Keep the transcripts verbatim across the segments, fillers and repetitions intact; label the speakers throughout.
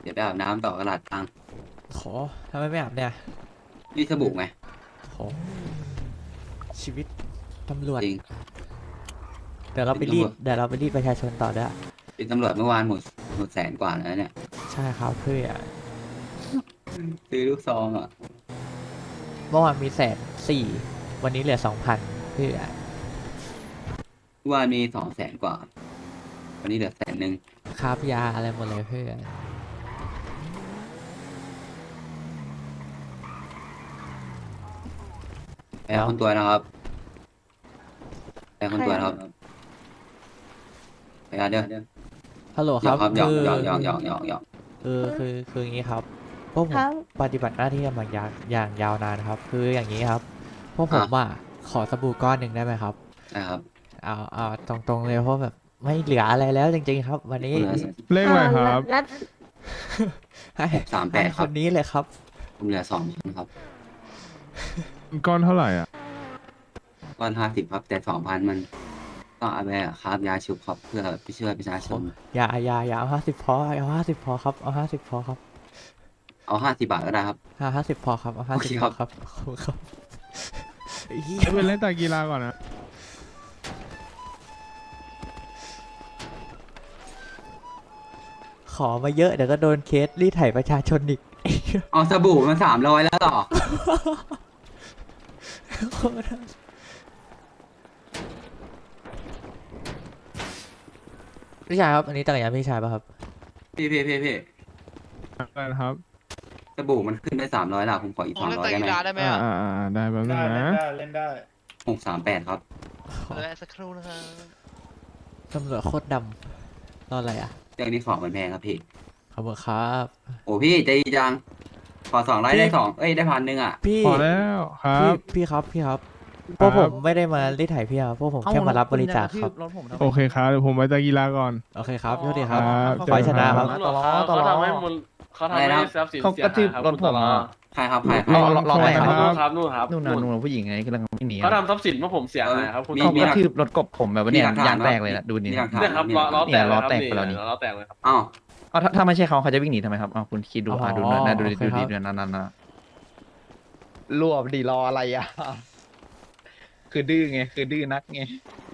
Speaker 1: เดี๋ยวไปอาบน้ำต่อกระดาษตังค์
Speaker 2: โหทำไมไม่อาบเนี่ย
Speaker 1: นี่สบู่ไง
Speaker 2: โหชีวิตตำรวจ
Speaker 1: จริง
Speaker 2: เดี๋ยวเราไปรีดเดี๋ยวเราไปรีดประชาชนต่อด้วย
Speaker 1: เป็นตำรวจเมื่อวานหมดหมดแสนกว่าแล้วเนี่ย
Speaker 2: ใช่ครับเพื่อ
Speaker 1: ซื้อลูกซองอ่ะ
Speaker 2: เมื่อวานมีแสนสี่วันนี้เหลือสองพันเพื่อ
Speaker 1: เมื่อวานมีสองแสนกว่าวันนี้เหลือแสนหนึ่ง
Speaker 2: คาบยาอะไรหมดเลยเพื่อ
Speaker 1: แอร์คนตัวนะครับแอร์คนตัวนะครับไปกันเด้อ
Speaker 2: ฮัลโหล
Speaker 1: ห
Speaker 2: ค
Speaker 1: ยอ
Speaker 2: รับ
Speaker 1: กครับหยอก
Speaker 2: คือ
Speaker 1: หยอกหยอกหยอกหยอกหยอก
Speaker 2: คือคือคืออย่างนี้ครับพวกผ
Speaker 3: ค
Speaker 2: ม
Speaker 3: รับ
Speaker 2: ปฏิบัติหน้าที่มาอย่างอย่างยาวนานครับ คืออย่างนี้ครับพวกผมอ่ะขอสบู่ก้อนหนึ่งได้ไหมครับ
Speaker 1: นะครับ
Speaker 2: เอาเอาตรงๆเลยเพราะแบบไม่เหลืออะไรแล้วจริงๆครับ วันนี้
Speaker 4: เลขอะไรครับ
Speaker 3: แล้ว
Speaker 2: ให้
Speaker 1: สามแป
Speaker 2: ให้
Speaker 1: ดค
Speaker 2: ครับ นนี้เลยครับ
Speaker 1: ผมเหลือสองพันครับ
Speaker 4: ก้อนเท่าไหร่อ่ะ
Speaker 1: ก้อนห้าสิบครับแต่สองพันมันต้องเอาไปครับยาชุบครับเพื่อไปช่วยประชาชน
Speaker 2: อย่าอย่าอย่าเอาห้าสิบพอเอาห้าสิบพอครับเอาห้าสิบพอครับ
Speaker 1: เอาห้าสิบบาทก็ได้ครับ
Speaker 2: ห้าห้าสิบพอครับเอาห้า
Speaker 1: โอ
Speaker 2: สิบ
Speaker 1: เค
Speaker 2: พ
Speaker 1: ครั
Speaker 2: อบ ครับขอบคุณครับเหี้ย
Speaker 4: เป็นเล่นแต่กีฬาก่อนนะ
Speaker 2: ขอมาเยอะเดี๋ยวก็โดนเคสรีดไถประชาชนอีก
Speaker 1: เอาสบู่มาสามร้อยแล้วต่อ
Speaker 2: พี่ชายครับอันนี้จักรยานพี่ชายป่ะครับ
Speaker 1: พี่พี่พี่พี่
Speaker 4: อะไรนะครับ
Speaker 1: สบู่มันขึ้นได้สามร้อยละผมขออีก
Speaker 5: ผ
Speaker 1: ส
Speaker 5: ม
Speaker 1: อง
Speaker 5: เล่น
Speaker 1: ร้อย
Speaker 5: แต่
Speaker 1: ได้ไหม
Speaker 5: กีฬาได้ไหม
Speaker 4: อ่า
Speaker 5: อ่ะ
Speaker 4: อ่าอ่าได้แป๊บนึง
Speaker 6: ได้
Speaker 4: นะ
Speaker 6: เล่นได้
Speaker 1: หกสามแปดครับ
Speaker 5: เดี๋ยวสักครู่นะครับ
Speaker 2: ตำรวจโคตรดำรออะไรอ่ะ
Speaker 1: เรื่องนี้ของมันแพงครับพี่
Speaker 2: ขอบคุณครับ
Speaker 1: โอ้พี่ใจดีจังขอสองร้อยได้สองเอ้ยได้พันหนึ่งอ่ะ
Speaker 2: พี่
Speaker 4: พอแล้วครั
Speaker 2: พี่
Speaker 4: บ
Speaker 2: พี่ครับพี่ครับ
Speaker 4: ค
Speaker 2: พว
Speaker 4: รั
Speaker 2: ก
Speaker 4: บ
Speaker 2: ผมไม่ได้มารีดไถพี่ครับพวกผมแค่มารับบริจาคครับ
Speaker 4: โอเคครับเดี๋ยวผมไปแต่กีฬาก่อน
Speaker 2: โอเคครับโทษทีครับ
Speaker 4: ครับ
Speaker 2: ขอให้ชนะครับ
Speaker 7: ตลอดเขาทำให้มูลเขาทำให้ทรัพย์สิน
Speaker 6: เขา
Speaker 7: เสีย
Speaker 6: กระทืบ
Speaker 7: หายครับ
Speaker 6: รถผมอะ
Speaker 1: ใครครับใครใคร
Speaker 4: รอ
Speaker 6: รอรออะไร
Speaker 4: ค
Speaker 6: ค
Speaker 4: รั
Speaker 6: รับ
Speaker 4: บ
Speaker 7: ครับนู่นครับ
Speaker 6: นู่นน่ะนู่นน่ะผู้หญิงไงกำลังไม่หนี
Speaker 7: เขาทำทรัพย์สินเมื่อผมเสียหายครับคุณ
Speaker 1: มี
Speaker 6: เขา
Speaker 1: มี
Speaker 6: กระทืบรถกบผมแบบว่าเนี่ยยางแตกเลยนะดูนี่
Speaker 1: มีหลักฐาน
Speaker 7: เนี่ยครับล้อล้อแต
Speaker 6: เนี่
Speaker 7: ก
Speaker 6: ยล้อแตกไปแล้วนี่
Speaker 7: ล้อแตกเลยครับ
Speaker 1: อ้าว
Speaker 6: เอาถ้าถ้าไม่ใช่เขาเขาจะวิ่งหนีทำไมครับเอาคุณคิดดูอ่ะดูหน่อยนะดูดิ
Speaker 2: โอเค
Speaker 6: ดู
Speaker 2: ครั
Speaker 6: ดิ
Speaker 2: บ
Speaker 6: ดูนั่นนั่นนะรวบดีรออะไรอ่ะ คือดื้อไงคือดื้อนักไง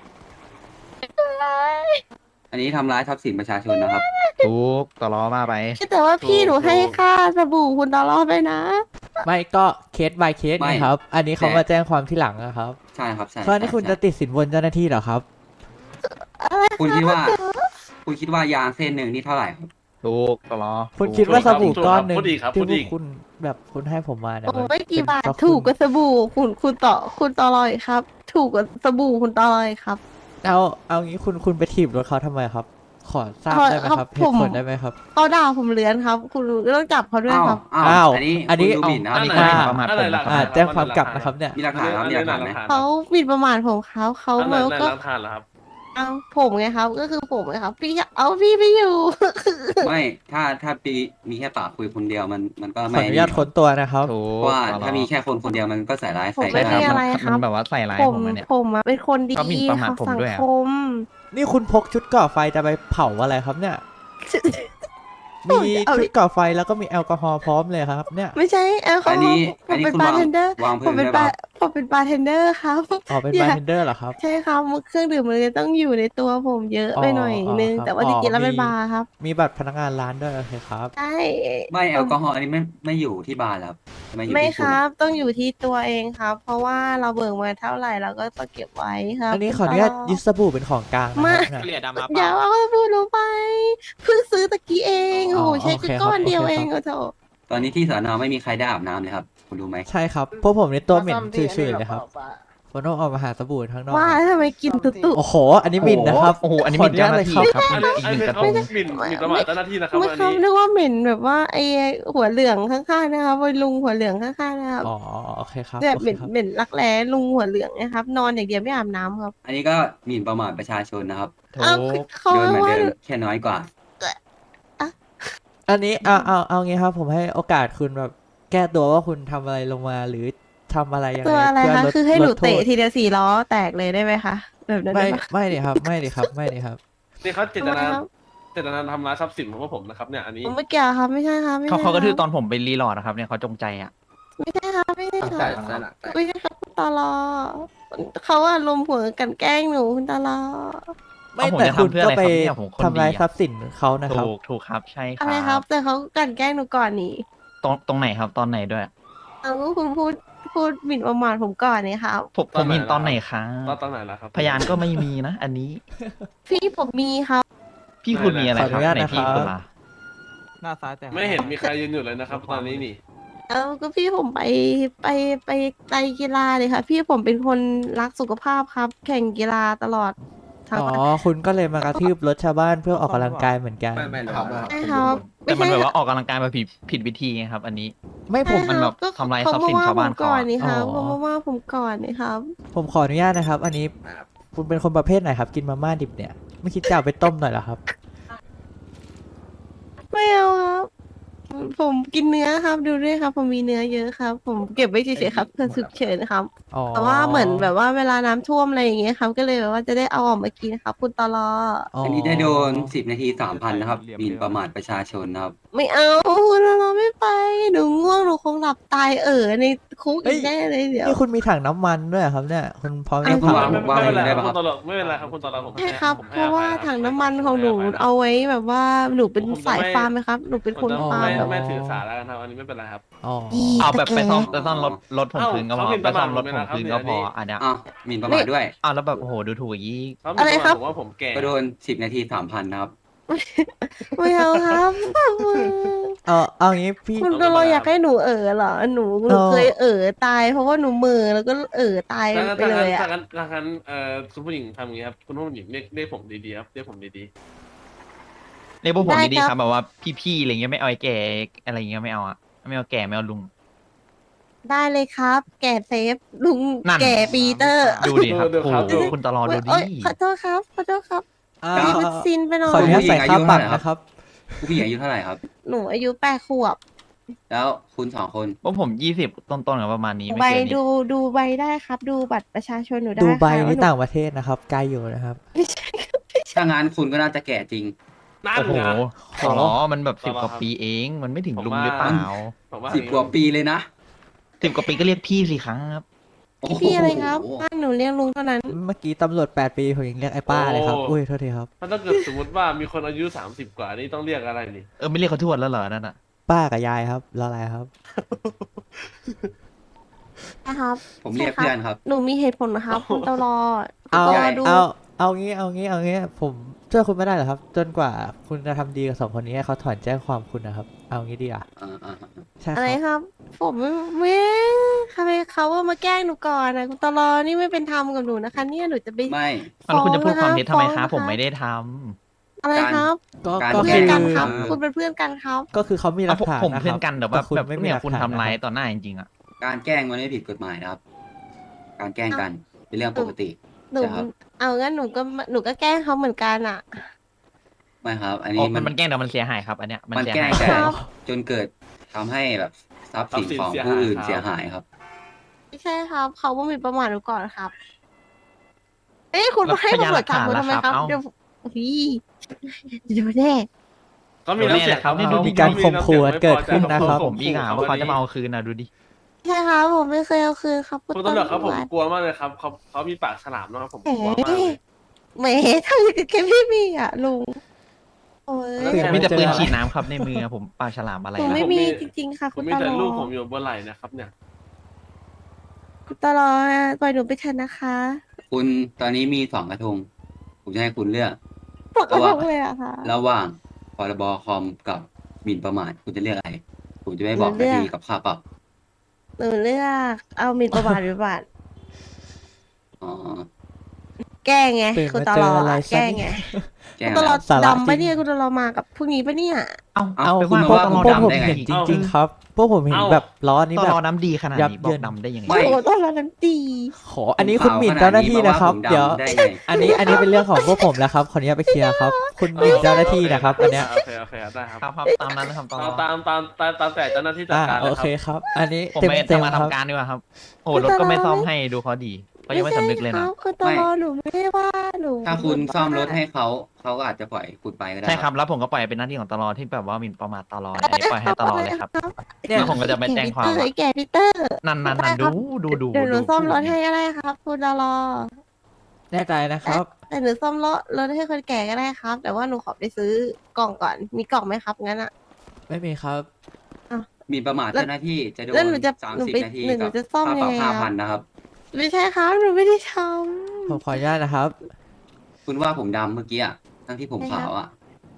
Speaker 1: อันนี้ทำร้ายทรัพย์สินประชาชนนะครับ
Speaker 6: ทุกต่อล้อมาไป
Speaker 3: แต่ว่าพี่หนูให้ค่าสบู่คุณตลอดไปนะ
Speaker 2: ไม่ก็เคส by เคส
Speaker 1: ไม่
Speaker 2: นะครับ อันนี้เขา
Speaker 1: แต่
Speaker 2: มาแจ้งความที่หลังนะครับ
Speaker 1: ใช่ครับใช่
Speaker 2: เพราะนี่คุณ
Speaker 1: ใช่
Speaker 2: จะติดสินบนเจ้าหน้าที่เหรอครับ
Speaker 1: คุณคิดว่า คุณคิดว่ายางเส้นหนึ่งนี่เท่าไหร่ครับ
Speaker 6: ทุกต่อล้อ
Speaker 2: คุณคิดว่าสบู่ก้อนหนึ่ง
Speaker 7: พูดอีกครับ
Speaker 2: ที่
Speaker 7: พูด
Speaker 2: พว
Speaker 7: อี
Speaker 2: ก
Speaker 7: ก
Speaker 2: คุณแบบคุณให้ผมมาเนี่ย
Speaker 3: โอ้
Speaker 2: มัน
Speaker 3: ไม่กี่
Speaker 2: เป็น
Speaker 3: บาท
Speaker 2: เพราะ
Speaker 3: ถูกก
Speaker 2: คุณ
Speaker 3: ว่าสบู่คุณคุณต่อคุณตลอยครับ ถูกกว่าสบู่คุณตลอยครับ
Speaker 2: เอาเอางี้คุณคุณไปถีบรถเขาทำไมครับ ขอทราบ
Speaker 3: ขอ
Speaker 2: ได้ไหมครับ
Speaker 3: ครับ
Speaker 2: เหตุผ
Speaker 3: ผ
Speaker 2: ล
Speaker 3: ม
Speaker 2: ได้ไหมครับ
Speaker 3: เขาด่าผมเลือนครับ คุณต้องจับเขาด้วย
Speaker 1: อ้าว
Speaker 3: ครับ
Speaker 1: อ้า
Speaker 2: อ้าว ว
Speaker 1: อันนี้
Speaker 2: อันนี้
Speaker 1: คุณดูหมิ่นนะ
Speaker 6: อันนี้
Speaker 1: ค
Speaker 6: คือ
Speaker 1: รับ
Speaker 6: หมิ่นประมาท
Speaker 7: อัน
Speaker 6: ผ
Speaker 7: ไหน
Speaker 6: ม
Speaker 7: หลัก
Speaker 2: อ่า
Speaker 7: ฐาน
Speaker 2: แจ้งความกลับนะครับเนี่ย
Speaker 1: มีหลักฐานครับมีหลักฐานไหม
Speaker 3: เขาหมิ่นประมาทผมครับเขา
Speaker 7: อันไหน
Speaker 3: แล้ว
Speaker 7: ไหน
Speaker 3: ก็
Speaker 7: หลักฐานเหรอครับ
Speaker 3: เอาผมไงครับ ก็คือผมไงครับ พี่เอาพี่ไม่อยู่
Speaker 1: ไม่ ถ้าถ้าปีมีแค่ปากคุยคนเดียวมันมันก็
Speaker 2: ขอ
Speaker 1: ไม่
Speaker 2: อนุญาตค้นตัวนะครับ
Speaker 6: ถูก
Speaker 1: เพราะว่า
Speaker 6: ต่อล้อ
Speaker 1: ถ้ามีแค่คนคนเดียวมันก็ใส่ร้าย
Speaker 3: ผม
Speaker 1: ใส่
Speaker 3: ไม่
Speaker 1: ได้
Speaker 3: มี
Speaker 1: ค
Speaker 3: อะ
Speaker 1: รับ
Speaker 3: ไร
Speaker 6: มัน
Speaker 3: ครับ
Speaker 6: มันแบบว่าใส่ร้าย
Speaker 3: ผ
Speaker 6: ผม มอะเนี่ย
Speaker 3: ผมอะเป็นคนดี
Speaker 6: ก็หมิ่นประมาท
Speaker 3: ของ
Speaker 6: ผม
Speaker 3: สัง
Speaker 6: ด้วยอะ
Speaker 3: คม
Speaker 2: นี่คุณพกชุดก่อไฟจะไปเผาอะไรครับเนี่ย มี
Speaker 3: เอา
Speaker 2: ชุดก่อไฟแล้วก็มีแอลกอฮอล์พร้อมเลยครับ เนี่ย
Speaker 3: ไม่ใช่แอลกอ
Speaker 1: อัน
Speaker 3: ฮอ
Speaker 1: นี้
Speaker 3: ล์ผ
Speaker 1: อัน
Speaker 3: ม
Speaker 1: นี้
Speaker 3: เป็น
Speaker 1: คุณาง
Speaker 3: บาวร์เทนเดอร์
Speaker 1: วาง
Speaker 3: ผ
Speaker 1: พื้
Speaker 3: ม
Speaker 1: น
Speaker 3: เป็น
Speaker 1: ได้
Speaker 3: บา
Speaker 1: ปะ
Speaker 3: ร์ผมเป็นบาร์เทนเดอร์ครับ
Speaker 2: อ๋อเป็น
Speaker 3: อย่า
Speaker 2: บาร์เทนเดอร์เหรอครับ
Speaker 3: ใช่ครับเครื่องดื่มมันเลยต้องอยู่ในตัวผมเยอะไปหน่อย
Speaker 2: อ๋อ
Speaker 3: นึง
Speaker 2: ครับ
Speaker 3: แต่ว่าจริงๆแล้วเป็น
Speaker 2: อ๋อมี
Speaker 3: บาร์ครับ
Speaker 2: มีบัตรพนักงานร้านด้วยโอเคครับ
Speaker 3: ใช่
Speaker 1: ไม่แอลกอฮอล์อันนี้ไม่ไม่อยู่ที่บาร์แล้วไม่อยู่
Speaker 3: ไม่
Speaker 1: ที่
Speaker 3: ค
Speaker 1: ณ
Speaker 3: รับ ต้องอยู่ที่ตัวเองครับ เพราะว่าเราเบิกมาเท่าไหร่เราก็ต้องเก็บไว้ครับ
Speaker 2: อันนี้ขออนุญาตยึดสบู่เป็นของกลางนะ
Speaker 3: มา
Speaker 2: ครับเนี่ย
Speaker 3: อย่าเอาพูดลงไปเพิ่งซื้อตะกี้เอง
Speaker 2: อ๋อ
Speaker 3: โอ้โหใช้
Speaker 2: โอเค
Speaker 3: แค่ก้อน
Speaker 2: ครับ
Speaker 3: เดียว
Speaker 2: โอเค
Speaker 3: เอง
Speaker 2: ครับ
Speaker 3: ก็โถ
Speaker 1: ตอนนี้ที่สอนอไม่มีใครได้อาบน้ำเลยครับ คุณรู้ไหม
Speaker 2: ใช่ครับพวกผมในตัวเหม็นชื่อๆเลยครับผมต้องออกมาหาสบู่ข้างนอก
Speaker 3: ว่าแล้วทำไมกินตุ๊ตุ
Speaker 2: โอ้โห อันนี้หมินนะครับ
Speaker 6: โอ้โหอันนี้หมิ่น
Speaker 2: ข
Speaker 6: เจ้าห
Speaker 2: ออ
Speaker 6: น้า
Speaker 2: ญ
Speaker 6: ที่
Speaker 2: ตเลย
Speaker 6: ครับ
Speaker 7: อัน
Speaker 6: อี
Speaker 7: นี้
Speaker 6: ก
Speaker 7: อัน
Speaker 6: หนึ่
Speaker 7: นี้
Speaker 6: งกระทง
Speaker 7: หมิ่นหมิ่นประมาทเจ้าหน้าที่นะครับ
Speaker 3: ไม่
Speaker 7: อัน
Speaker 3: ครับ
Speaker 7: นี้
Speaker 3: นึกว่าเหม็นแบบว่าไอ้หัวเหลืองข้างๆนะครับวัยลุงหัวเหลืองข้างๆนะครับ
Speaker 2: อ๋อโอเคครับ
Speaker 3: แบบ
Speaker 2: โอ
Speaker 3: เห
Speaker 2: เค
Speaker 3: ม็น
Speaker 2: ครับ
Speaker 3: เหม็นรักแร้ลุงหัวเหลืองนะครับ นอนอย่างเดียวไม่อาบน้ำครับ
Speaker 1: อันนี้ก็หมิ่นประมาทประชาชนนะครับ
Speaker 6: ถู
Speaker 3: เอา
Speaker 6: ก
Speaker 3: เขา
Speaker 1: โดนเหมือน
Speaker 3: ว่า
Speaker 1: เดิมแค่น้อยกว่า
Speaker 2: อันนี้เอาเอาเอางี้ครับผมให้โอกาสคุณแบบแก้ตัวว่าคุณทำอะไรลงมาหรือทำอะไรยังไง
Speaker 3: ตัวอะไร
Speaker 2: เพื่
Speaker 3: คะ
Speaker 2: ลด
Speaker 3: คือให้หนู
Speaker 2: ลดโท
Speaker 3: เตะ
Speaker 2: ษ
Speaker 3: ทีเดียวสี่ล้อแตกเลยได้ไหมคะแบบนั้น
Speaker 2: ไม่
Speaker 3: ได้ปะ
Speaker 2: ไม่ดิครับ ไม่ดิครับไม่ดิครับ
Speaker 7: นี่เขาเจตนา
Speaker 3: ทำไมครับ
Speaker 7: เจตนาทำร้ายทรัพย์สินของพวกผมนะครับเนี่ยอันนี้
Speaker 3: ผมไม่เกี่ยวครับไม่ใช่ครับไม่
Speaker 6: เขา
Speaker 3: ใช่
Speaker 6: เขาก็ทือ
Speaker 3: ค
Speaker 6: ต
Speaker 3: รับ
Speaker 6: อนผมไปรีโหลอดนะครับเนี่ยเขาจงใจอ่ะ
Speaker 3: ไม่ใช่ครับไม่ใช่ค
Speaker 8: ใช่
Speaker 3: รับ
Speaker 8: ใช่หลักใช่
Speaker 3: ไม่ใช่ครับคุณตลอเขาอารมณ์หัวกันแกล้งหนูคุณตลอ
Speaker 2: ไม่
Speaker 6: เอาผม
Speaker 2: แต่
Speaker 6: จะ
Speaker 2: คุณ
Speaker 6: ทำเพื่อ
Speaker 2: ก็
Speaker 6: อะไร
Speaker 2: ไป
Speaker 6: ครับเนี่ยผมคน
Speaker 2: ทำร้าย
Speaker 6: ดีอะ
Speaker 2: ทรัพย์สินเขานะครับ
Speaker 6: ถูกถูกครับใช่ค
Speaker 3: อะไรค
Speaker 6: รั
Speaker 3: รับ
Speaker 6: บ
Speaker 3: แต่เขากลันแกล้งหนูก่อนนี่
Speaker 6: ตรงตรงไหนครับตอนไหนด้วย
Speaker 3: เอาก็คุณพูดพูดหมิ่นประมาทผมก่อนนี่ครับ
Speaker 6: ผมผมมินตอนไหนครับ
Speaker 7: ตอนตอนไหนล่ะครับ
Speaker 6: พยานก็ไม่มีนะ อันนี้
Speaker 3: พี่ผมมีครับ
Speaker 6: พี่คุณมีอะไร
Speaker 2: ขออ
Speaker 6: ครั
Speaker 2: นุ
Speaker 6: บ
Speaker 2: ญาต
Speaker 6: ไหน
Speaker 2: นะครับ
Speaker 6: พี่คุณล่ะ
Speaker 8: หน้าซ้ายแต่
Speaker 7: ไม่เห็นมีใครยืนอยู่เลยนะครับ ตอนนี้นี่
Speaker 3: เอาก็พี่ผมไปไปไปไตรกีฬาเลยค่ะ พี่ผมเป็นคนรักสุขภาพครับ แข่งกีฬาตลอดทั้ง
Speaker 2: อ๋อ
Speaker 3: วัน
Speaker 2: คุณก็เลยมากระทืบรถชาวบ้านเพื่อออกกำลังกายเหมือนกัน
Speaker 8: ไม่ไม่ครับ
Speaker 3: ใช่ครับ
Speaker 6: แต่มัน
Speaker 3: ไใช่
Speaker 6: แบบว่าออกกำลังกายมาผิดผิดวิธีไงครับ อันนี้
Speaker 2: ไม่ผม
Speaker 6: มันแบบ
Speaker 3: ก็
Speaker 6: ทำลาย
Speaker 3: เข
Speaker 6: ทรัพย์สินชาวบ้าน
Speaker 3: มก่อน
Speaker 6: เขาอะ
Speaker 3: นี่ครับ
Speaker 2: อ๋อ
Speaker 3: เขามาว่าผมก่อนนี่ครับ
Speaker 2: ผมขออนุญาตนะครับ อันนี้
Speaker 8: ครับ
Speaker 2: คุณเป็นคนประเภทไหนครับ กินมาม่าดิบเนี่ย ไม่คิดจะเอาไปต้มหน่อยเหรอครับ
Speaker 3: ไม่เอาครับ ผมกินเนื้อครับ ดูด้วยครับ ผมมีเนื้อเยอะครับ ผมเก็บไว้เฉยๆครับเพื่อฉุกเฉินครับ
Speaker 2: อ๋อ
Speaker 3: แต่ว่าเหมือนแบบว่าเวลาน้ำท่วมอะไรอย่างเงี้ยครับ ก็เลยแบบว่าจะได้เอาออกมากินครับ คุณตลอ
Speaker 1: อันนี้ได้โดนสิบนาทีสามพันนะครับหมิ่นประมาทประชาชนนะครับ
Speaker 3: ไม่เอาคุณตลอไม่ไปหนูง่วงหนูคงหลับตายเออในคุกอีกแน่เลยเดี๋ยว
Speaker 2: นี่คุณมีถังน้ำมันด้วยเหรอครับเนี่ย คุณพร้อม
Speaker 3: ไอ้
Speaker 2: จะ
Speaker 3: คุณ
Speaker 2: เผา
Speaker 7: ไม่
Speaker 1: ว่า
Speaker 7: ไม่เป็นไร
Speaker 1: ได้
Speaker 7: ค
Speaker 1: ปะ
Speaker 7: รับ
Speaker 1: ครับ
Speaker 7: คุณตลอดไม่เป็นไรครับคุณตลอดผม
Speaker 3: ใช่
Speaker 7: ให้
Speaker 3: ครับ
Speaker 7: ผม
Speaker 3: เพ
Speaker 7: ให้
Speaker 3: ราะ
Speaker 7: อ
Speaker 3: ว่า
Speaker 7: ภัยครับ
Speaker 3: ถังน้ำมันของหนู
Speaker 7: ผมให้ภัยครับ
Speaker 3: เอาไว้แบบว่าหนูเป็น
Speaker 7: ผมจะ
Speaker 3: สาย
Speaker 7: ไม่
Speaker 3: ฟาร์มไหมครับ หนูเป็นคน
Speaker 7: ผมจะ
Speaker 3: ฟาร์ม
Speaker 7: ไม่
Speaker 3: แบบ
Speaker 7: ไม่ถือสาแล้วกันครับอันนี้ไม่เป็นไรครับ
Speaker 2: อ๋อ
Speaker 6: เอาแบบไปซ่อมไปซ่อมรถรถผม
Speaker 7: เอ้า
Speaker 6: คืนก็พอ
Speaker 7: เขาหมิ่น
Speaker 6: ไป
Speaker 7: ประ
Speaker 6: ซ่
Speaker 7: มา
Speaker 6: อ
Speaker 7: ท
Speaker 6: มรถ
Speaker 7: ผม
Speaker 6: ผม
Speaker 7: เลยนะครับ
Speaker 6: คืนก็พอ
Speaker 7: เนี่ยอันนี้
Speaker 6: อันเนี้ย
Speaker 1: อ่ะหมิ่นประมาทด้วย
Speaker 6: อ้าวแล้วแบบโอ้โหดูถูกอย่างนี้
Speaker 7: เขา
Speaker 3: อะไรครับ
Speaker 7: ผมว่าผมแก่
Speaker 1: ก็โดนสิบนาทีสามพันนะครับ
Speaker 3: ไม่เอาครับ
Speaker 2: เอาเอางี้พี่
Speaker 3: คุณตลออยากให้หนูเออเหรอหนูหนู
Speaker 2: เออ
Speaker 3: เคยเออตาย เพราะว่าหนูเหมือแล้วก็เออตาย
Speaker 7: ถ้างั้น
Speaker 3: ไป
Speaker 7: ถ้า
Speaker 3: เล
Speaker 7: งั้น
Speaker 3: ยอ่ะ
Speaker 7: ถ้างั้นถ้างั้นเอ่อคุณผู้หญิงทำอย่างนี้ครับคุณผู้หญิงเรียกเรียกผมดีๆครับเรียกผมดี
Speaker 6: เรียกพวกผมดีๆครับแบบว่าพี่ๆอะไรเงี้ยไม่เอาไอ้แก่อะไรเงี้ยไม่เอาอะไม่เอาแก่ไม่เอาลุง
Speaker 3: ได้เลยครับ แก่เซฟลุง
Speaker 6: นั่น
Speaker 3: แก่ปีเตอร์
Speaker 6: ดูดิครับโอ้โหคุณตลอดดูดิ
Speaker 3: โอ๊ยขอโทษครับขอโทษครับ
Speaker 2: อ่า
Speaker 3: อันนี้มันซินไปหน่อ
Speaker 2: ขออนุญาต
Speaker 3: ย
Speaker 2: ใส่ค่าปรับนะครับ
Speaker 1: ผู้หญิงอายุเท่าไหร่ครับ
Speaker 3: หนูอายุแปดขวบ
Speaker 1: แล้วคุณสองคน
Speaker 6: พวกผมยี่สิบต้นๆกับประมาณนี้ไม่
Speaker 3: ใบ
Speaker 6: เกินนี้
Speaker 3: ดูดูใบได้ครับ ดูบัตรประชาชนหนูได้
Speaker 2: ดูใบ
Speaker 3: ค่ะ
Speaker 2: นี่
Speaker 3: ว่ห
Speaker 2: ต่างประเทศนะครับ ไกลอยู่นะครับ
Speaker 3: ไม่ใช่ครับ
Speaker 1: ถ้างั้นคุณก็น่าจะแก่จริง
Speaker 7: ๆนั่น
Speaker 6: โอ้โห
Speaker 7: นะ
Speaker 6: ตลอมันแบบสิบ
Speaker 7: ตลอ
Speaker 6: กว่าปีเอง มันไม่ถึงลุงหรือเปล่า
Speaker 7: ผมว่า
Speaker 1: สิบกว่าปีเลยนะ
Speaker 6: สิบกว่าปีก็เรียกพี่สิครับ
Speaker 1: โอ้โห
Speaker 3: พี่อะไรครับบ้านหนูเรียกลุงเท่านั้น
Speaker 2: เมื่อกี้ตำรวจแปดปีผมยังเรียกไอ้ป้าเลยครับ อุ้ยโทษทีครับ
Speaker 7: ถ้าถ้าเกิดสมมติว่ามีคนอายุสามสิบกว่านี่ต้องเรียกอะไรนี่
Speaker 6: เออไม่เรียกเขาทวดแล้วเหรอนั่นอ่ะ
Speaker 2: ป้ากับยายครับรออะไรครับ
Speaker 3: นะครับ
Speaker 1: ผมเรียกเพื่อนครับ
Speaker 3: หนูมีเหตุผลนะครับคุณตลอด
Speaker 2: เอา
Speaker 3: คุณตลอดดู
Speaker 2: เอา เอางี้ เอางี้ เอางี้ ผมช่วยคุณไม่ได้เหรอครับ จนกว่าคุณจะทำดีกับสองคนนี้ให้เขาถอนแจ้งความคุณนะครับ เอางี้ดีอ่ะ
Speaker 1: อ่าอ่าอ่า
Speaker 2: ใช่ค
Speaker 3: อะไร
Speaker 2: รับ
Speaker 3: ครับ ผมไม่ไม่ทำไมเขาว่ามาแกล้งหนูก่อนนะคุณตลอดนี่ไม่เป็นธรรมกับหนูนะคะ เนี่ยหนูจะไป
Speaker 1: ไม่
Speaker 6: แล้วคุณจะพูดความเท็จทำไมครับ
Speaker 3: ฟ้องนะคะ
Speaker 6: ผมไม่ได้ท
Speaker 3: อะไรครับ
Speaker 2: ก็
Speaker 1: การ
Speaker 2: ก็
Speaker 3: เพื่
Speaker 2: คือ อน
Speaker 3: กันครับ
Speaker 1: คือ
Speaker 3: คุณเป็นเพื่อนกันครับ
Speaker 2: ก็คือเขามี
Speaker 6: ำ
Speaker 2: หลั
Speaker 6: เอา
Speaker 2: กฐาน
Speaker 6: ผม
Speaker 2: นะค
Speaker 6: เพื่อ
Speaker 2: รั
Speaker 6: นกันแต่ว่า
Speaker 2: คุณ
Speaker 6: แบบ
Speaker 2: ไม่มี
Speaker 6: เนี่ย
Speaker 2: หลัก
Speaker 6: คุณ
Speaker 2: ฐาน
Speaker 6: ทำร้าย
Speaker 2: นะครับ
Speaker 6: ต่อหน้าจริงๆอ่ะ
Speaker 1: การแกล้งมันไม่ผิดกฎหมายนะครับ การแกล้งกันเป็นเรื่องปกติ
Speaker 3: หนู
Speaker 1: ใช่ครับ
Speaker 3: เอางั้นหนูก็หนูก็แกล้งเขาเหมือนกันอ่ะ
Speaker 1: ไม่ครับ อัน
Speaker 6: อ๋อ
Speaker 1: นี้
Speaker 6: มั
Speaker 1: มัน น
Speaker 6: มันแกล้งแต่มันเสียหายครับ อันเนี้ยมัน
Speaker 1: มัน
Speaker 6: เสีย
Speaker 1: แกล้
Speaker 6: หาง ย
Speaker 1: แต่
Speaker 3: ครับ
Speaker 1: จนเกิดทำให้แบบทรัพย์สิน
Speaker 7: ทรัพย์สิน
Speaker 1: ของ
Speaker 7: เสีย
Speaker 1: ผู้
Speaker 7: หาย
Speaker 1: อื่น
Speaker 7: ครับ
Speaker 1: เสียหายครับ
Speaker 3: ไม่ใช่ครับ เขาว่ามีประมาทหนูก่อนครับ เอ้ยคุณ
Speaker 6: แล้ว
Speaker 3: ให้
Speaker 6: พยาน
Speaker 3: ตำร
Speaker 6: ห
Speaker 3: ว
Speaker 6: ลั
Speaker 3: จ
Speaker 6: ก
Speaker 3: จับ
Speaker 6: ฐาน
Speaker 3: หนู
Speaker 6: ล่ะ
Speaker 3: ทำไม
Speaker 6: ครับ
Speaker 3: ครับ
Speaker 6: เอ้า
Speaker 3: เดี๋ยวพี่เดี๋ยวแน่
Speaker 7: เขามีน้ำเสียง
Speaker 6: เขาเนี่ยดูดิ
Speaker 2: มีการข่มขู่กันเกิดขึ้นนะครับ
Speaker 6: ผมอีกอ่ะว่าเขาจะมาเอาคืนนะดูดิ
Speaker 3: ใช่ครับผมไม่เคยเอาคืนครับ
Speaker 7: คุณตำรวจครับผมกลัวมากเลยครับเขาเขามีปากฉลามนะครับผม
Speaker 3: เอ๋
Speaker 7: กลัวมากเลย
Speaker 3: แหมทำอย่างกับแกพี่มีอ่ะลุงโอ้ย
Speaker 2: เปลี่ยน
Speaker 6: มีแต่ปืน
Speaker 2: เจอ
Speaker 6: ฉีดน้ำครับในมือผมปลาฉลามอะไร
Speaker 3: หนู
Speaker 6: นะ
Speaker 3: ไม่มีจริงๆค่ะ
Speaker 7: ผ
Speaker 3: คุ
Speaker 7: ม
Speaker 3: ณ
Speaker 7: มี
Speaker 3: ต
Speaker 7: แต่
Speaker 3: ลอ
Speaker 7: ลูกผม
Speaker 3: ด
Speaker 7: อยู่บนไหล่นะครับเนี่ย
Speaker 3: คุณตลอดปล่อยหนูไปเถอะนะคะ
Speaker 1: คุณตอนนี้มีสองกระทง ผมจะให้คุณเลือก
Speaker 3: ปกติเลยอะค่ะ
Speaker 1: ระหว่างพรบคอมกับหมิ่นประมาทคุณจะเลือกอะไร ผมจะไม่บอก
Speaker 3: หนูเลื
Speaker 1: นา
Speaker 3: อก
Speaker 1: ทีกับค่าปรับ
Speaker 3: หนูเลือกเอาหมีประมาทหรือบัตร
Speaker 1: อ๋อ
Speaker 3: แก้ไง
Speaker 2: ตื่น
Speaker 3: คุณ
Speaker 2: มา
Speaker 3: ต
Speaker 2: เจ
Speaker 3: ล
Speaker 2: อ
Speaker 3: อด
Speaker 2: อะไร
Speaker 3: อะ
Speaker 2: ซะ
Speaker 3: แก้
Speaker 2: เนี่
Speaker 3: ไง
Speaker 2: ย
Speaker 1: แก้
Speaker 3: คุณ
Speaker 1: อะไร
Speaker 3: ตลอด
Speaker 2: สาระ
Speaker 3: ดำปะ
Speaker 2: จริง
Speaker 3: เนี่ยคุณตลอดมากับพวกนี้ปะเนี่ย
Speaker 6: เอ้า
Speaker 1: เอ้า
Speaker 6: ไป
Speaker 1: คุณ
Speaker 6: ว่า
Speaker 1: มา
Speaker 6: พว
Speaker 1: ว่าก
Speaker 6: ต
Speaker 1: ผม
Speaker 6: ลอด
Speaker 1: ดำ
Speaker 6: ดำ
Speaker 2: ผม
Speaker 1: ได้ไง
Speaker 2: เห็นจริง ๆ ครับ พวกผมเห็น
Speaker 7: เอ้า
Speaker 2: แบบล้อนี้
Speaker 6: ต
Speaker 2: แบ
Speaker 6: ลอบ ดน้ำดีขนาด
Speaker 2: ยับ
Speaker 6: นี้บ
Speaker 2: เยิ
Speaker 6: อก
Speaker 2: น
Speaker 6: ดำได้ยังไง
Speaker 1: ไม่
Speaker 3: โอ้โหตลอดน้ำดี
Speaker 2: ขออันนี้คุณหมิ่นเจ้าหน้าที่นะครับ
Speaker 1: ผมขาว
Speaker 2: เดี๋ยว
Speaker 1: ขนาดนี้มาว่าผมดำได้ไง
Speaker 2: อันนี้อันนี้เป็นเรื่องของพวกผมแล้วครับขออนุญาตไปเคลียร์ครับ คุณหมิ่นเจ้าหน้าที่นะครับ อันเนี้ย
Speaker 7: โอเคโอเคได้ครับ
Speaker 6: ครับครับตามนั้นนะครับตลอด
Speaker 7: ตามตามตามตามแต่เจ้าหน้าที่จัด
Speaker 2: อ่า
Speaker 7: การ
Speaker 2: โอ
Speaker 7: นะค
Speaker 2: เครับ ครับ อันนี้
Speaker 6: ผม
Speaker 2: เต็ม
Speaker 6: ไป
Speaker 2: เต็ม
Speaker 6: ทำมา
Speaker 2: ครับ
Speaker 6: ทำการดีกว่าครับ โอ้รถก็ไม่ซ่อมให้ดูเขาดีเขายังไม่สำนึกเลย
Speaker 3: ค
Speaker 6: นะ
Speaker 3: รับคือตลอดหนูไม่ได้ว่าหนู
Speaker 1: ถ้าคุณซ่อมรถให้เขาเขาก็อาจจะปล่อยคุณไปก็ได้
Speaker 6: ใช่ครับแล้วผมก็ปล่อยเป็นหน้าที่ของตลอที่แบบว่าหมิ่นประมาทตลออันนี้ปล่อยให้ตลอเลยครับ
Speaker 2: เนี่ย
Speaker 6: แล้วผมก็จะไม่แจ้งความ
Speaker 3: เอ้
Speaker 6: ว่า
Speaker 3: ยแกพีเตอร์
Speaker 6: นั่นนั่นนั่นดูดูดู
Speaker 3: เดี๋ยวหนู
Speaker 6: ดู
Speaker 3: ซ่อมรถให้ก็ได้ครับคุณตลอ
Speaker 2: แน่ใจนะครับ
Speaker 3: แต่หนูซ่อมรถรถให้คนแก่ก็ได้ครับ แต่ว่าหนูขอไปซื้อกล่องก่อนมีกล่องไหมครับงั้นอะ
Speaker 2: ไม่มีครับ
Speaker 1: หมีประมาท
Speaker 3: แล้ว
Speaker 1: เจ้าหน้าที่จะโดน
Speaker 3: แล้วหนูจะ
Speaker 1: สาม
Speaker 3: หนู
Speaker 1: สิบ
Speaker 3: ไป
Speaker 1: นาที
Speaker 3: หนู
Speaker 1: กับ
Speaker 3: จะซ่อม
Speaker 1: ค่าปรับ
Speaker 3: ยังไง
Speaker 1: ห้า
Speaker 3: ครั
Speaker 1: พัน
Speaker 3: บ
Speaker 1: นะครับ
Speaker 3: ไม่ใช่ครับหนูไม่ได้ท
Speaker 2: ผมขออนุญาตนะครับ
Speaker 1: คุณว่าผมดำเมื่อกี้อ่ะทั้งที่ผมขาวอ่ะ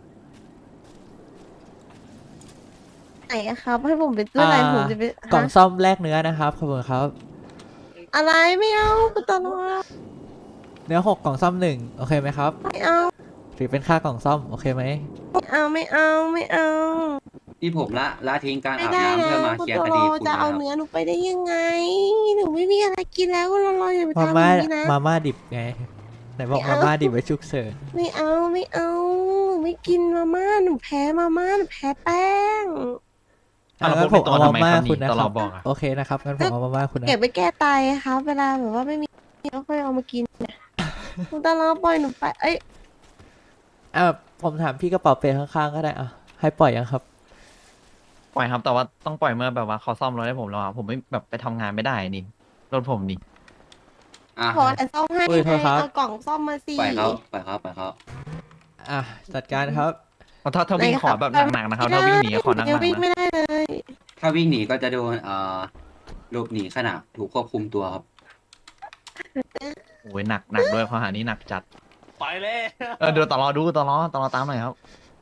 Speaker 3: ำไหนอะครับ ให้ผมไปซื้ออะไร
Speaker 2: อ่า
Speaker 3: ผมจะไป
Speaker 2: กล่อง
Speaker 3: ฮะ
Speaker 2: ซ่อมแลกเนื้อนะครับขอบคุณครับ
Speaker 3: อะไรไม่เอาคุณตลอด
Speaker 2: เนื้อหกกล่องซ่อมหนึ่งโอเคไหมครับ
Speaker 3: ไม่เอา
Speaker 2: ถือเป็นค่ากล่องซ่อมโอเคไหม
Speaker 3: ไม่เอาไม่เอาไม่เอา
Speaker 1: ที่ผมละละทิ้งการ
Speaker 3: ไม่
Speaker 1: อาบ
Speaker 3: ได้
Speaker 1: น้ำ
Speaker 3: แล้
Speaker 1: เพื่อ
Speaker 3: ว
Speaker 1: มา
Speaker 3: คุณ
Speaker 1: เคลียร์
Speaker 3: ต
Speaker 1: ค
Speaker 3: ล
Speaker 1: ดี
Speaker 3: อ
Speaker 1: คุณ
Speaker 3: จะ
Speaker 1: นะค
Speaker 3: เอา
Speaker 1: รับ
Speaker 3: เนื้อหนูไปได้ยังไง หนูไม่มีอะไรกินแล้วคุณตลออย่าไป
Speaker 2: มา
Speaker 3: ทำอ
Speaker 2: ม่า
Speaker 3: ย่างนี้นะ
Speaker 2: มาม่าดิบไงไหนบอก
Speaker 3: ไม่
Speaker 2: มา
Speaker 3: เอา
Speaker 2: ม่าดิบไว้ฉุกเฉิน
Speaker 3: ไม่เอาไม่เอา ไม่กินมาม่าหนูแพ้มาม่าหนูแพ้แป้ง
Speaker 6: อ่ะแล้ว
Speaker 2: งั้น
Speaker 6: พ
Speaker 2: ผ
Speaker 6: วก
Speaker 2: ม
Speaker 6: เป็น
Speaker 2: เอา
Speaker 6: ตัว
Speaker 2: มา
Speaker 6: ทำไม
Speaker 2: ม่า
Speaker 6: ครับ
Speaker 2: คุณ
Speaker 6: นี่
Speaker 2: นะ
Speaker 6: ต
Speaker 2: ค
Speaker 6: ล
Speaker 2: รั
Speaker 6: อบ บอกอ่ะ
Speaker 2: โอเคนะครับงั้นผมเอามาม่าคุณนะ
Speaker 3: เก็บไปแก้ไตครับ เวลาแบบว่าไม่มีก็ค่อยเอามากินเนี่ยคุณตลอปล่อยหนูไปเอ้ย
Speaker 2: อ่ะผมถามพี่กระเป๋าเปข้างๆก็ได้อ่ะให้ปล่อยยังครับ
Speaker 6: ปล่อยครับแต่ว่าต้องปล่อยเมื่อแบบว่าเขาซ่อมรถให้ผมแล้วอะผมไม่แบบไปทำงานไม่ได้นี่รถผมนี่
Speaker 1: อ่ะ
Speaker 3: ขอแต่ซ่อมให้
Speaker 2: อุ้ยโทษครับ
Speaker 3: เอากล่องซ่อมมาสิ
Speaker 1: ปล่อยเขาปล่อยเขาปล่อยเขา
Speaker 2: อ่ะจัดการครับ
Speaker 6: เพราะถ้าถ้าวิ่งขอแบบหนักๆนะครับถ้าวิ่งหนีขอหนัก
Speaker 3: ยัง
Speaker 6: ๆ
Speaker 3: วิ่ง
Speaker 6: นะ
Speaker 3: ไม่ได้เลย
Speaker 1: ถ้าวิ่งหนีก็จะโดนเอ่อหลบหนีขณะถูกควบคุมตัวครับ
Speaker 6: โอ้ยหนักหนักด้วยข้อหานี้หนักจัด
Speaker 7: ไปแล้ว
Speaker 6: เออเดี๋ยวตลอดูตลอตลอตามหน่อยครับ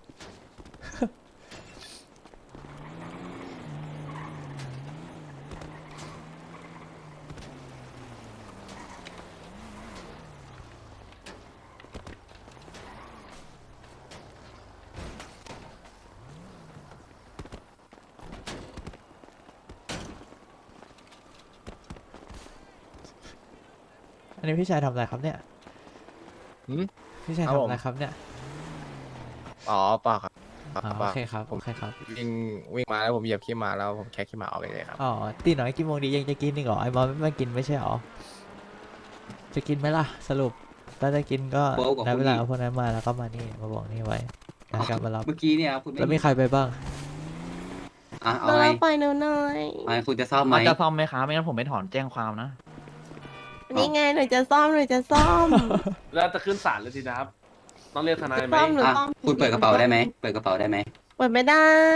Speaker 2: อันนี้พี่ชายทำอะไรครับเนี่ย
Speaker 9: หืม
Speaker 2: พี่ชาย
Speaker 9: ครับ
Speaker 2: ทำ
Speaker 9: ผม
Speaker 2: อะไรครับเนี่ย
Speaker 9: อ๋อเปล่าครับ
Speaker 2: อ๋อ
Speaker 9: เป
Speaker 2: โอ
Speaker 9: ล่า
Speaker 2: เคครับ
Speaker 9: ผ
Speaker 2: โอ
Speaker 9: ม
Speaker 2: เคครับ
Speaker 9: วิ่งวิ่งมาแล้วผมเหยียบขี้หมาแล้วผมแค่ขี้หมาออกไปเลยครับ
Speaker 2: อ๋อตีน้อยกี่โมงดียังจะกินอีกเหรอไอ้บอลไม่มากินไม่ใช่เหรอจะกินไหมล่ะสรุปถ้าจะกินก็
Speaker 1: โป๊กกับ
Speaker 2: ได้
Speaker 1: คุณ
Speaker 2: เวลา
Speaker 1: อีก
Speaker 2: เอาพวกนั้นมาแล้วก็มานี่มาบอกนี่ไว้แล้วกลับมารับ
Speaker 1: เมื่อกี้เนี่ยคุณไม่
Speaker 2: แล้วมีใครไปบ้าง
Speaker 1: อ่ะเอา
Speaker 3: ตล
Speaker 1: ไง
Speaker 3: อปล่อยหนูหน่อย
Speaker 1: เอาไงคุณจะซ่อมไหม
Speaker 6: เขาจะซ่อมไหมครับไม่งั้นผมไม่ถอนแจ้งความนะ
Speaker 3: นี่ไงหนูจะซ่อมหนูจะซ่อม
Speaker 7: แล้วจะขึ้นศาลเลยสินะครับ ต้องเรียกทนายไหม
Speaker 3: ซ่อมหนู
Speaker 1: อ่ะ
Speaker 3: ซ่อม
Speaker 1: คุณเปิดกระเป๋าได้ไหมเปิดกระเป๋าได้ไหม
Speaker 3: เปิดไม่ได้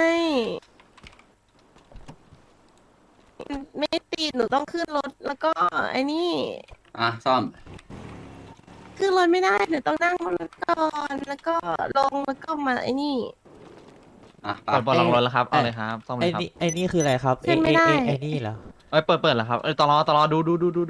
Speaker 3: ไม่ติดหนูต้องขึ้นรถแล้วก็ไอ้นี่
Speaker 1: อ่ะซ่อม
Speaker 3: ขึ้นรถไม่ได้หนูต้องนั่งบนรถก่อนแล้วก็ลงแล้วก็มาไอ้นี่
Speaker 1: อ่ะไป
Speaker 6: เปิดเปิดลองรถแล้วครับเอาเลยครับซ่อมเล
Speaker 2: ไอ้
Speaker 6: ยครับ
Speaker 2: นี่ไอ้นี่คืออะไรครับ
Speaker 3: ขึ้
Speaker 2: ไอ้
Speaker 3: นไม่
Speaker 2: ไอ้
Speaker 3: ได้
Speaker 2: ไอ้ไอ้นี่เหรอ
Speaker 6: เอ้ยเปิดเปิดแล้วครับเอ้ยตลอตลอดูดูดูดูดู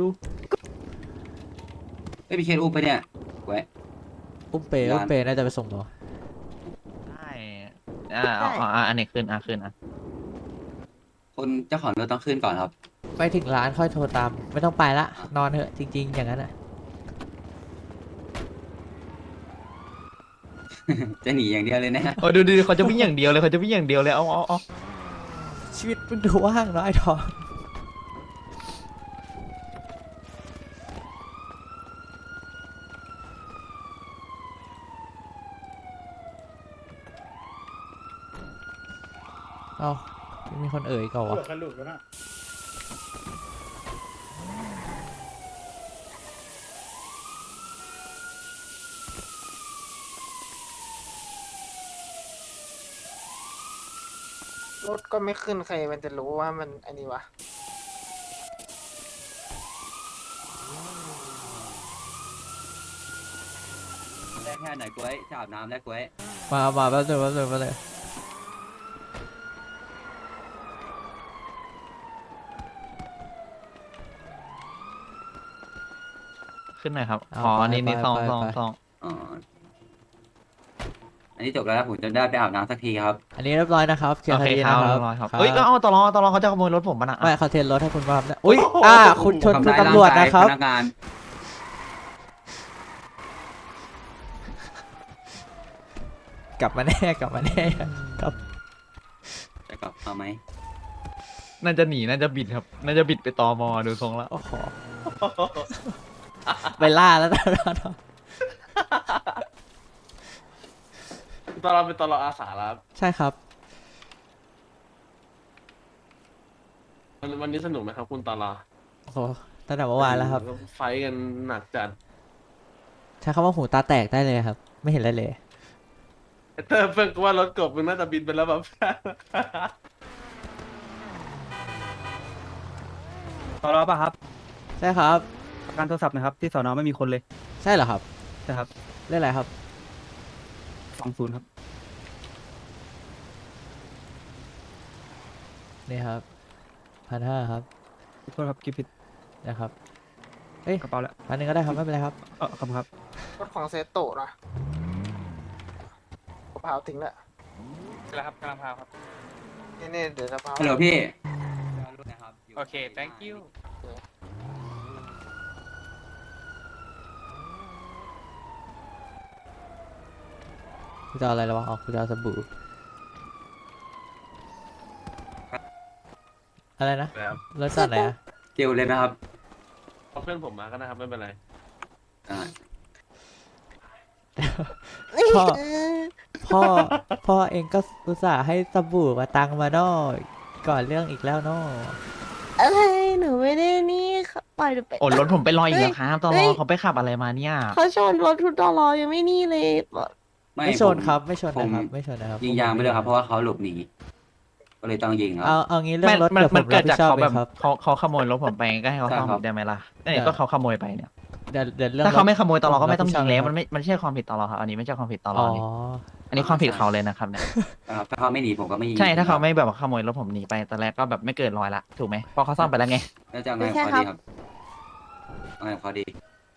Speaker 1: ไม่มีเคสอุ้มไปเนี่ยไว้
Speaker 2: อุ้มเปย์อุ้มเปย์น่าจะไปส่งหรอ
Speaker 6: ได้อ่าเอาเอาเอาอันนี้ขึ้นอ่ะขึ้นอ่ะ
Speaker 1: คนเจ้าของรถต้องขึ้นก่อนครับ
Speaker 2: ไปถึงร้านค่อยโทรตาม ไม่ต้องไปละนอนเถอะจริง ๆ อย่างนั้นอ่ะ
Speaker 1: จะหนีอย่างเดียวเลยนะ
Speaker 6: โอ้ยดูดูเขาจะวิ่งอย่างเดียวเลยเขาจะวิ่งอย่างเดียวเลยเอาเอาเอา
Speaker 2: ชีวิตมันดูว่างเนาะไอ้ทองเอ้ามีคนเอ่ยก่อนวะ
Speaker 8: รถก็ไม่ขึ้นใครมันจะรู้ว่ามันอันนี้วะ
Speaker 1: ได้แค่ไหนกล้วยจะอาบน้ำได้กล้วย
Speaker 2: มามาแป๊บนึงแป๊บนึงแป๊บนึง
Speaker 6: ขึ้นหน่อยครับอ๋ออันนี้นี่ซองซองซอง
Speaker 1: อ๋ออันนี้จบแล้วนะผมจะได้ไปอาบน้ำสักทีครับ
Speaker 2: อันนี้เรียบร้อยนะครับเคลีย
Speaker 6: โอ
Speaker 2: ร์ค
Speaker 6: เค
Speaker 2: ดี
Speaker 6: ครั
Speaker 2: นะ
Speaker 6: บ
Speaker 2: ครั
Speaker 6: เรี
Speaker 2: บ
Speaker 6: ยบร้อยครับ
Speaker 2: ครับ
Speaker 6: เอ้ยก็เอาตลอตลอเขาจะขโมยรถผมปะนะ
Speaker 2: ไม่เขาเทรนรถให้คุณว่านะอุ้ยอ่าคุณชนคุณ
Speaker 1: ทำร้าย
Speaker 2: ตำรวจ
Speaker 1: างกาย
Speaker 2: นะครับ
Speaker 1: พนักงาน
Speaker 2: กลับมาแน่กลับมาแน่ครับ
Speaker 1: จะกลับเอาไหม
Speaker 6: น่าจะหนีน่าจะบิดครับ น่าจะบิดไปตอมอดูทรงแล้ว
Speaker 2: โอ้โหไปล่าแล้วนะ
Speaker 7: ตอนเราเป็นตอนเราอาสาแล้วครับ
Speaker 2: ใช่ครับ
Speaker 7: วันวันนี้สนุกไหมครับ คุณตอนเรา
Speaker 2: โอ้โหตั้งแต่เมื่อวานแล้วครับ
Speaker 7: ไฟท์กันหนักจัด
Speaker 2: ใช้คำว่าหูตาแตกได้เลยครับ ไม่เห็นอะไรเลย
Speaker 7: ไอ้เตอร์เพิ่งก็ว่ารถกบมันน่าจะบินไปแล้วแบบ
Speaker 10: สอนอป่ะครับ
Speaker 2: ใช่ครับ
Speaker 10: การโทรศัพท์นะครับ ที่สอนอไม่มีคนเลย
Speaker 2: ใช่เหรอครับ
Speaker 10: ใช่ครับ
Speaker 2: เรื่องอะไรครับ
Speaker 10: สองศูนย์ครับ
Speaker 2: นี่ครับพันห้าครับ
Speaker 10: ขอโทษครับคิดผิด
Speaker 2: นะครับเอ้ย
Speaker 10: กระเป๋าแล้ว
Speaker 2: พันหนึ่งก็ได้ครับไม่เป็นไรครับ
Speaker 10: เออขอบคุณครับ
Speaker 8: รถของเซโตะนะกระเพราทิ้งละ
Speaker 9: แล้วครับกำลังพาครับ
Speaker 8: นี่นี่เดี๋ยวกระเพรา
Speaker 1: ฮัลโหลพี่
Speaker 9: โอเค thank you
Speaker 2: กูจะเอาอะไรแล้ววะอ๋อกูจะเอาสบู่อะไรนะ
Speaker 7: แล้ว
Speaker 2: รถจอดไหนอะ
Speaker 1: เจลเลยนะครับ
Speaker 7: เอาเพื่อนผมมาก็นะครับไม่เป็นไร
Speaker 1: อ่า
Speaker 2: พ่อ พ่อ พ่อเองก็อุตส่าห์ให้สบู่มาตังมาเนอะก่อนเรื่องอีกแล้วเนอะ
Speaker 3: อะไรหนูไม่ได้นี่ค่ะปล่อยหนูไป
Speaker 6: โอ้รถผมไปลอยอีกแล้วครับตล
Speaker 3: เฮ้
Speaker 6: อย เขาไปขับอะไรมาเนี่ย
Speaker 3: เขาชนรถทุตลอยังไม่นี่เลยบอก
Speaker 2: ไม่ชน
Speaker 1: ผ
Speaker 2: ครับ ไม่ชน
Speaker 1: ผม
Speaker 2: นะครับ ไม่ชนนะครับ
Speaker 1: ยิงยางไปเลยครับ เพราะว่าเขาหลบหนี ก็เลยต้องยิงครั
Speaker 2: เอา
Speaker 1: บ
Speaker 2: เอางี้เรื่อ
Speaker 6: ไม่
Speaker 2: งรถ
Speaker 6: มัน
Speaker 2: เดี๋ยวผ
Speaker 6: มัน
Speaker 2: ม
Speaker 6: เกิ
Speaker 2: รับ
Speaker 6: ด
Speaker 2: ผิ
Speaker 6: จาก
Speaker 2: ดชอบ
Speaker 6: เขา
Speaker 2: เอ
Speaker 6: แบบ
Speaker 2: งครับ
Speaker 6: เขาเขาขโมยรถผมไปก็ให้เขา
Speaker 1: ใช่
Speaker 6: เข้า
Speaker 1: ครับ
Speaker 6: ได้ไหมล่ะ
Speaker 2: เดี๋
Speaker 6: เนี่
Speaker 2: ยว
Speaker 6: ยก็เขาขโมยไปเนี่ย
Speaker 2: เดี๋ยวเดี๋ยวเรื่อง
Speaker 6: ถ้าเขา
Speaker 2: รถ
Speaker 6: ไม่ขโมยตลอดก็ไม่ต้อง
Speaker 2: ผ
Speaker 6: ยิง
Speaker 2: รับ
Speaker 6: แล้ว
Speaker 2: ผิดชอบ
Speaker 6: มันไม่มันไม่ใช่ความผิดตลอดครับอันนี้ไม่ใช่ความผิดตล
Speaker 2: อ๋
Speaker 6: อ
Speaker 2: อ
Speaker 6: ดนี่อันนี้ความผิดเขาเลยนะครับเนี่ย
Speaker 1: ครับถ้าเขาไม่หนีผมก็ไม่ยิง
Speaker 6: ใช่ถ้าเขาไม่แบบว่าขโมยรถผมหนีไปตอนแรกก็แบบไม่เกินร้อยละถูกไหมเพราะเขาซ่อมไปแล้วไง
Speaker 1: แล้วจะเอาไงกับเขาดีครับเอาไงกับเขาดี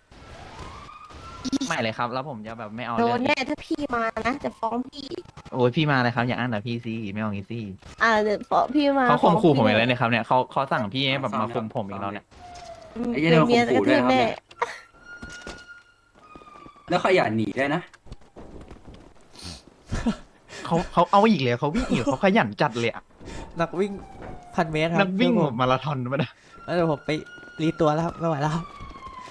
Speaker 6: ไม่เลยครับ แล้วผมจะแบบไม่เอา
Speaker 3: โด
Speaker 6: เรื่อน ง
Speaker 3: แน่ถ้าพี่มานะจะฟ้องพี่
Speaker 6: โอ้ยพี่มาเลยครับอย่าอ้างแต่พี่สิไม่เอางี้สิ
Speaker 3: อ่าเดี๋ยวฟ้องพี่มา
Speaker 6: เขาข่มขู่ผม
Speaker 3: ฟ้
Speaker 6: อี
Speaker 3: ง
Speaker 6: ก
Speaker 3: พี่
Speaker 6: แล้วเนี่ยครับเนี่ยเขาเขาสั่งพี่ให้แบบมาข่มผมอีกแล้วเนี่ย
Speaker 3: อืม
Speaker 1: ไอ้เหี้ย
Speaker 3: เดี๋ยว
Speaker 1: เดี๋ยว
Speaker 3: เมีย
Speaker 1: ข่มขู่
Speaker 3: จะกระทืบ
Speaker 1: ด้วยนะครับ
Speaker 3: แน่
Speaker 1: แล้วเขาอย่าหนีด้วยนะ
Speaker 6: เขาเขาเอาอีกเลยเขาวิ่งอีกเขาขยันจัดเลยอะ
Speaker 2: นักวิ่งพันเมตรครับ
Speaker 6: นักวิ่ง
Speaker 2: เดี๋ยวผม
Speaker 6: มาราธอนมาได้
Speaker 2: แล้วเดี๋ยวผมไปรีตัวแล้วครับไม่ไหวแล้วครับ